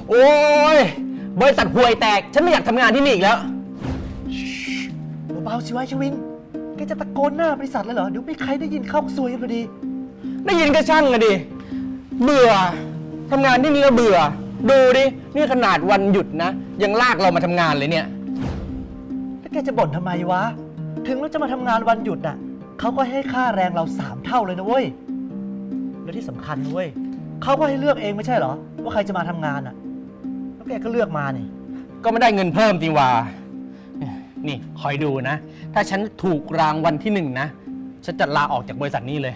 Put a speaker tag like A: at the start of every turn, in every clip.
A: โอ้ยบริษัทห่วยแตกฉันไม่อยากทำงานที่นี่อีกแล้ว
B: เบาๆสิวะชวินแกจะตะโกนหน้าบริษัทเลยเหรอเดี๋ยวมีใครได้ยินเข้าซวยกันพอดี
A: ได้ยินก็ช่างอะดิเบื่อทำงานที่นี่ก็เบื่อดูดินี่ขนาดวันหยุดนะยังลากเรามาทำงานเลยเนี่ย
B: แล้วแกจะบ่นทำไมวะถึงเราจะมาทำงานวันหยุดน่ะเขาก็ให้ค่าแรงเรา3 เท่าเลยนะเว้ยและที่สำคัญนะเว้ยเขาก็ให้เลือกเองไม่ใช่เหรอว่าใครจะมาทำงานน่ะแล้วแกก็เลือกมานี่
A: ก็ไม่ได้เงินเพิ่มจริงว่านี่คอยดูนะถ้าฉันถูกรางวัลที่1นะฉันจะลาออกจากบริษัทนี้เลย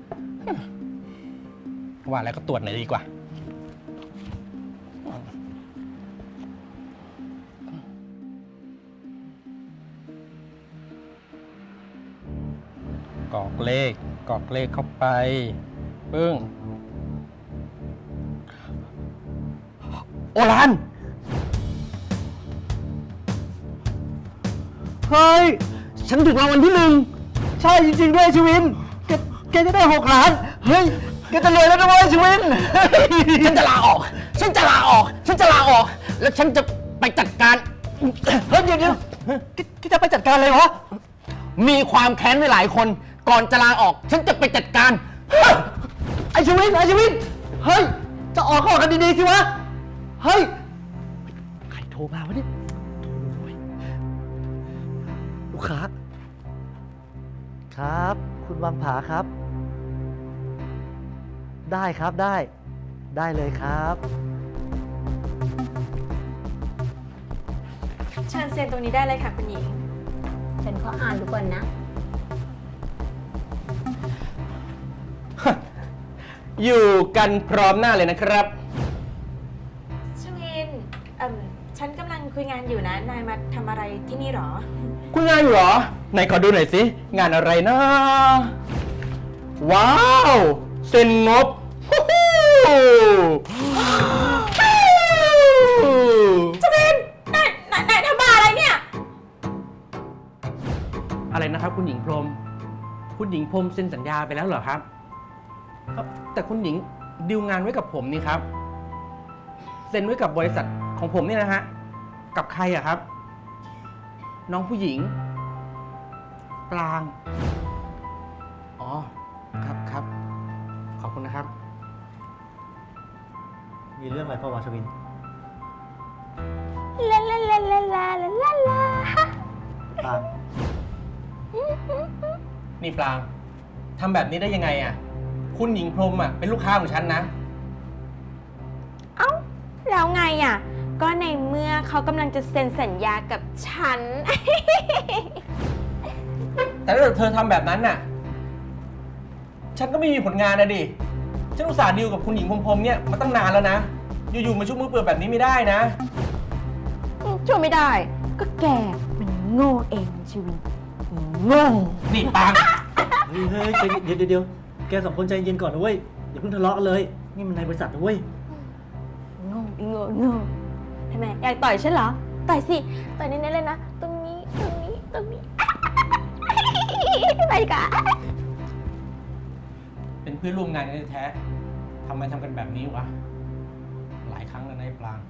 A: ว่าแล้วก็ตรวจหน่อยดีกว่ากรอกเลขเข้าไปปึ้งโอรานเฮ้ยฉันถูกรางวัลที่1
B: ใช่จริงๆด้วยชวินแกจะได้6 ล้านเฮ้ยแกจะรวยแล้วนะเว้ยชวิน
A: ฉันจะลาออกแล้วฉันจะไปจัดการ
B: เฮ้ยเดี๋ยวแกจะไปจัดการอะไรวะ
A: มีความแค้นไว้หลายคนก่อนจะลาออกฉันจะไปจัดการ
B: ไอชวินเฮ้ยจะออกกันดีๆสิวะเฮ้ยใครโทรมาวะเนี่ยลูกค้าครับคุณวังผาครับได้ครับได้เลยครับ
C: เชิญเซ็นตรงนี้ได้เลยค่ะคุณหญิง
D: ฉันขออ่านดูก่อนนะ
A: อยู่กันพร้อมหน้าเลยนะครับ
C: ชวินฉันกำลังคุยงานอยู่นะนายมาทำอะไรที่นี่หรอ
A: คุยงานอยู่หรอไหนขอดูหน่อยสิงานอะไรนะว้าวเซ็นงบ
C: ชวินนายทำบ้าอะไรเนี่ย
A: อะไรนะครับคุณหญิงพรหมคุณหญิงพรหมเซ็นสัญญาไปแล้วเหรอครับแต่คุณหญิงดีลงานไว้กับผมนี่ครับเซ็นไว้กับบริษัทของผมนี่นะฮะกับใครอะครับน้องผู้หญิงปลางอ๋อครับขอบคุณนะครับ
B: มีเรื่องอะไรพ่อวาชวิน
D: ลา
B: ปาง
A: นี่ปลางทำแบบนี้ได้ยังไงอะคุณหญิงพรหมอะเป็นลูกค้าของฉันนะ
C: เอ้าแล้วไงอะก็ในเมื่อเขากำลังจะเซ็นสัญญากับฉัน
A: แต่ถ้าเธอทำแบบนั้นน่ะฉันก็ไม่มีผลงานนะดิฉันอุตส่าห์ดีลกับคุณหญิงพรหมเนี่ยมาตั้งนานแล้วนะอยู่ๆมาชุบมือเปิดแบบนี้ไม่ได้นะ
C: ช่วยไม่ได้ก็แกมันโง่เองชีวิตโง่
A: นี่ปัง
B: เฮ้ยเดี๋ยวแก2 คนใจเย็นก่อนนะเว้ยอย่าเพิ่งทะเลาะกันเลยนี่มันในบริษัทนะเว้ย
C: โง่ทำไมอยากต่อยฉันเหรอต่อยสิต่อยเน้นๆเลยนะตรงนี้ไปดีกว่า
A: เป็นเพื่อนร่วมงานกันแท้ทำไมทำกันแบบนี้วะหลายครั้งแล้วนะไอ้ปลาง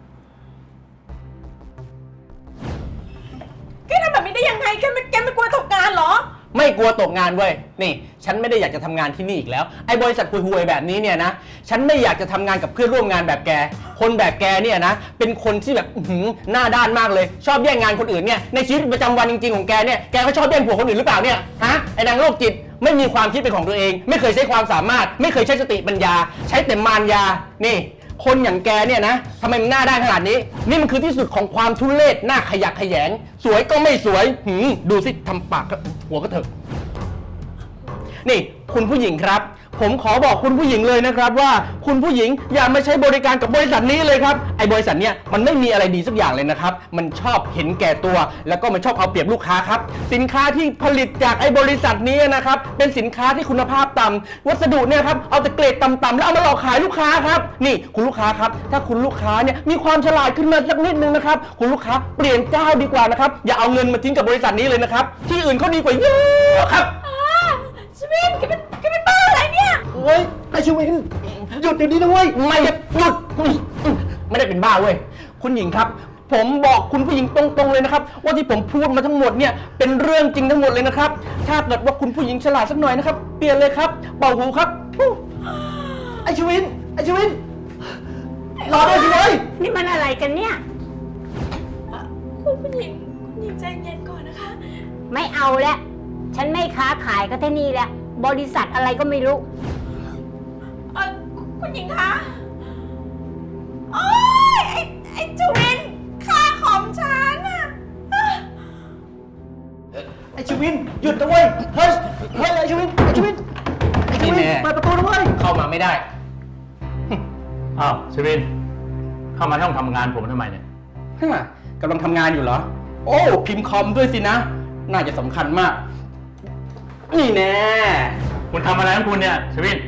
C: แกทำแบบนี้ได้ยังไงแกไม่กลัวตกงานเหรอ
A: ไม่กลัวตกงานเว้ยนี่ฉันไม่ได้อยากจะทำงานที่นี่อีกแล้วไอ้บริษัทห่วยๆแบบนี้เนี่ยนะฉันไม่อยากจะทำงานกับเพื่อนร่วมงานแบบแกคนแบบแกเนี่ยนะเป็นคนที่แบบหน้าด้านมากเลยชอบแย่งงานคนอื่นเนี่ยในชีวิตประจำวันจริงๆของแกเนี่ยแกก็ชอบแย่งผัวคนอื่นหรือเปล่าเนี่ยฮะไอ้นางโรคจิตไม่มีความคิดเป็นของตัวเองไม่เคยใช้ความสามารถไม่เคยใช้สติปัญญาใช้แต่มารยานี่คนอย่างแกเนี่ยนะทำไมมันหน้าด้านขนาดนี้นี่มันคือที่สุดของความทุเรศหน้าขยะแขยงสวยก็ไม่สวยดูสิทำปากหัวก็เถอะนี่คุณผู้หญิงครับผมขอบอกคุณผู้หญิงเลยนะครับว่าคุณผู้หญิงอย่ามาใช้บริการกับบริษัทนี้เลยครับไอ้บริษัทเนี้ยมันไม่มีอะไรดีสักอย่างเลยนะครับมันชอบเห็นแก่ตัวแล้วก็มันชอบเอาเปรียบลูกค้าครับสินค้าที่ผลิตจากไอ้บริษัทนี้นะครับเป็นสินค้าที่คุณภาพต่ำวัสดุเนี่ยครับเอาแต่เกรดต่ำๆแล้วเอามาหลอกขายลูกค้าครับนี่คุณลูกค้าครับถ้าคุณลูกค้าเนี่ยมีความฉลาดขึ้นมาสักนิดนึงนะครับคุณลูกค้าเปลี่ยนเจ้าดีกว่านะครับอย่าเอาเงินมาทิ้งกับบริษัทนี้เลยนะครับที่อื่นเขาดีกว่าเยอะครับ
C: ชวินแกเป็นบ้าอะไรเนี่ย
B: เฮ้ยไอชวินหยุดเดี๋ยวนี้นะเว้ย
A: ไม่หยุดไม่ได้เป็นบ้าเว้ยคุณหญิงครับ ผมบอกคุณผู้หญิงตรงๆเลยนะครับ ว่าที่ผมพูดมาทั้งหมดเนี่ยเป็นเรื่องจริงทั้งหมดเลยนะครับ ถ้าเกิดว่าคุณผู้หญิงฉลาดสักหน่อยนะครับเปลี่ยนเลยครับเป่าหูครับไอชวินรอด้วยสิเว้ย
D: นี่มันอะไรกันเนี่ย
C: คุณหญิงใจเย็นก่อนนะคะ
D: ไม่เอาแล้ว ฉันไม่ค้าขายก็ที่นี่แหละ บริษัทอะไรก็ไม่รู้
C: คุณหญิงคะ โอ๊ย ไอ้จวินค่าของฉันอะ
B: ไอชวินหยุดนะเว้ยเฮ้ยไอชวินเปิดประตูนะเว้ย
A: เข้ามาไม่ได้
E: อ้าวชวิน เข้ามาในห้องทำงานผมทำไมเนี่ย
A: กำลังทำงานอยู่เหรอ โอ้พิมพ์คอมด้วยสินะ น่าจะสำคัญมาก นี่แน่
E: คุณทำอะไรของคุณเนี่ยชวิน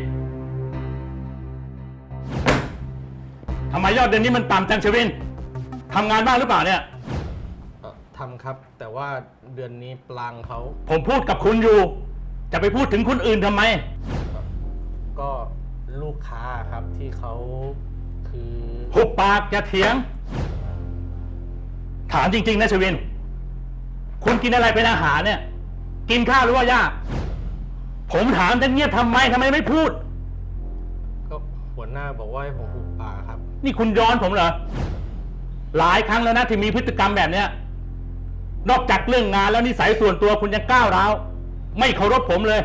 E: ทำไมยอดเดือนนี้มันต่ำจังชวินทำงานบ้างหรือเปล่าเนี่ย
A: ทำครับ แต่ว่าเดือนนี้ปลางเขา
E: ผมพูดกับคุณอยู่ จะไปพูดถึงคนอื่นทำไม
A: ก็ลูกค้าครับที่เขาคือ
E: หุบปากอย่าเถียง ถามจริงๆนะชวิน คุณกินอะไรเป็นอาหารเนี่ย กินข้าวหรือว่าหญ้าผมถามจะเงียบทำไมไม่พูด
A: ก็หัวหน้าบอกว่าให้ผมหุบปากครับ
E: นี่คุณย้อนผมเหรอ หลายครั้งแล้วนะที่มีพฤติกรรมแบบเนี้ย นอกจากเรื่องงานแล้วนิสัยส่วนตัวคุณยังก้าวร้าวไม่เคารพผมเลย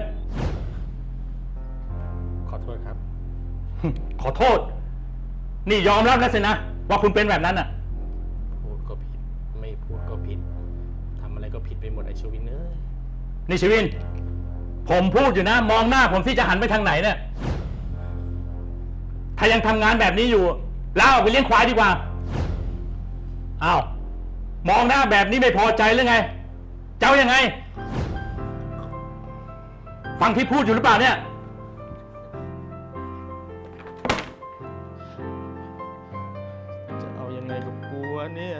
A: ขอโทษครับ
E: ขอโทษ นี่ยอมรับแล้วสินะว่าคุณเป็นแบบนั้นอ่ะ
A: พูดก็ผิด ไม่พูดก็ผิดทำอะไรก็ผิดไปหมดไอชวินเอ้ย
E: นี่ชวิน ผมพูดอยู่นะ มองหน้าผมที่จะหันไปทางไหนเนี่ย ถ้ายังทำงานแบบนี้อยู่ลาออกไปเลี้ยงควายดีกว่า อ้าว มองหน้าแบบนี้ไม่พอใจหรือไง เจ้ายังไง ฟังที่พูดอยู่หรือเปล่าเนี่ย
A: จะเอายังไงกับกูวะเนี่ย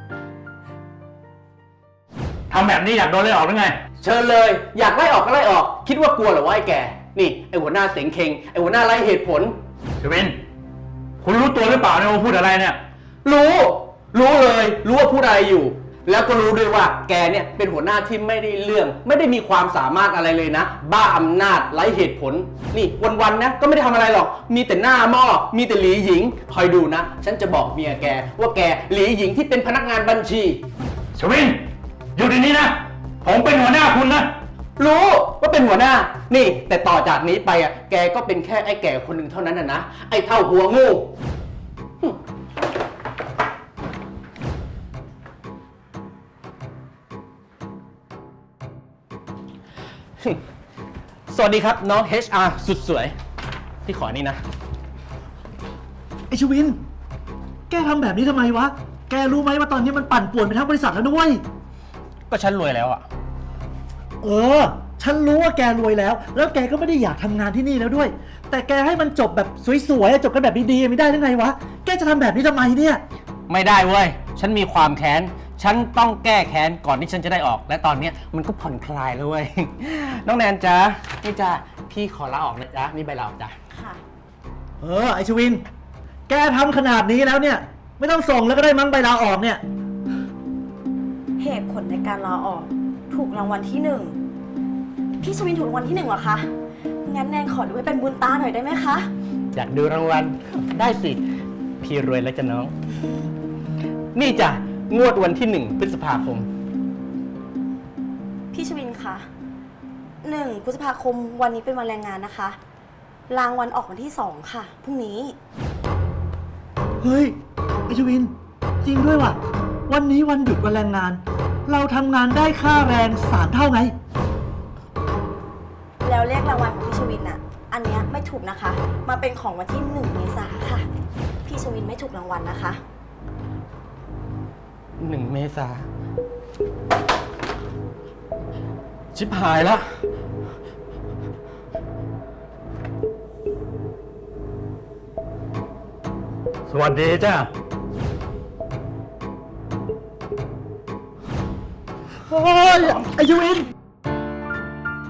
E: ทำแบบนี้อยากโดนไล่ออกหรือไง
A: เชิญเลย อยากไล่ออกก็ไล่ออก คิดว่ากลัวเหรอวะไอ้แก นี่ไอ้หัวหน้าเสงเคงไอ้หัวหน้าไร้เหตุผล
E: ชวิน คุณรู้ตัวหรือเปล่าเนี่ยว่าพูดอะไรเนี่ย
A: รู้เลย รู้ว่าพูดอะไรอยู่ แล้วก็รู้ด้วยว่าแกเนี่ยเป็นหัวหน้าที่ไม่ได้เรื่อง ไม่ได้มีความสามารถอะไรเลยนะ บ้าอำนาจไร้เหตุผล นี่วันๆนะก็ไม่ได้ทำอะไรหรอก มีแต่หน้าหม้อ มีแต่หลีหญิง คอยดูนะ ฉันจะบอกเมียแกว่าแกหลีหญิงที่เป็นพนักงานบัญชี
E: ชวิน อยู่ที่นี้นะ ผมเป็นหัวหน้าคุณนะ
A: รู้ว่าเป็นหัวหน้า นี่ แต่ต่อจากนี้ไปอ่ะ แกก็เป็นแค่ไอ้แก่คนหนึ่งเท่านั้นนะ ไอ้เท่าหัวงู สวัสดีครับน้อง HR สุดสวย พี่ขอนี่นะ
B: ไอชวิน แกทำแบบนี้ทำไมวะ แกรู้ไหมว่าตอนนี้มันปั่นป่วนไปทั้งบริษัทแล้วนะเว้ย
A: ก็ฉันรวยแล้วอ่ะ
B: ฉันรู้ว่าแกรวยแล้ว แล้วแกก็ไม่ได้อยากทำงานที่นี่แล้วด้วย แต่แกให้มันจบแบบสวยๆจบกันแบบดีๆไม่ได้ได้ไงวะ แกจะทำแบบนี้ทำไมเนี่ย
A: ไม่ได้เว้ย ฉันมีความแค้น ฉันต้องแก้แค้นก่อนที่ฉันจะได้ออก และตอนเนี้ยมันก็ผ่อนคลายแล้วเว้ย น้องแนนจ๊ะ นี่จ้ะพี่ขอลาออกนะจ๊ะ นี่ใบลาออกจ้ะ
C: ค่ะ
B: ไอชวิน แกทำขนาดนี้แล้วเนี่ย ไม่ต้องส่งแล้วก็ได้มั้งใบลาออกเนี่ย
F: เหตุผลในการลาออกถูกรางวัลที่หนึ่งพี่ชวินถูกรางวัลที่หนึ่งเหรอคะ งั้นแนนขอดูให้เป็นบุญตาหน่อยได้ไหมคะ
A: อยากดูรางวัลได้สิ พี่รวยแล้วจ้ะน้อง นี่จ้ะ งวดวันที่ 1 พฤษภาคม
F: พี่ชวินคะ1 พฤษภาคมวันนี้เป็นวันแรงงานนะคะ รางวัลออกวันที่ 2 ค่ะพรุ่งนี้
B: เฮ้ยไอชวิน จริงด้วยว่ะ วันนี้วันหยุดวันแรงงาน เราทำงานได้ค่าแรง3 เท่าไง
F: แล้วเลขรางวัลของพี่ชวินอะอันเนี้ยไม่ถูกนะคะ มาเป็นของวันที่ 1 เมษาค่ะ พี่ชวินไม่ถูกรางวัลนะคะ
A: 1 เมษา ชิบหายแล้ว
E: สวัสดีจ้า
B: เฮ้ยไอชวิน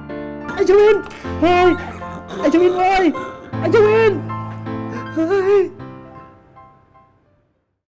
B: ไอชวิน เฮ้ย ไอชวินเฮ้ย ไอชวิน เฮ้ย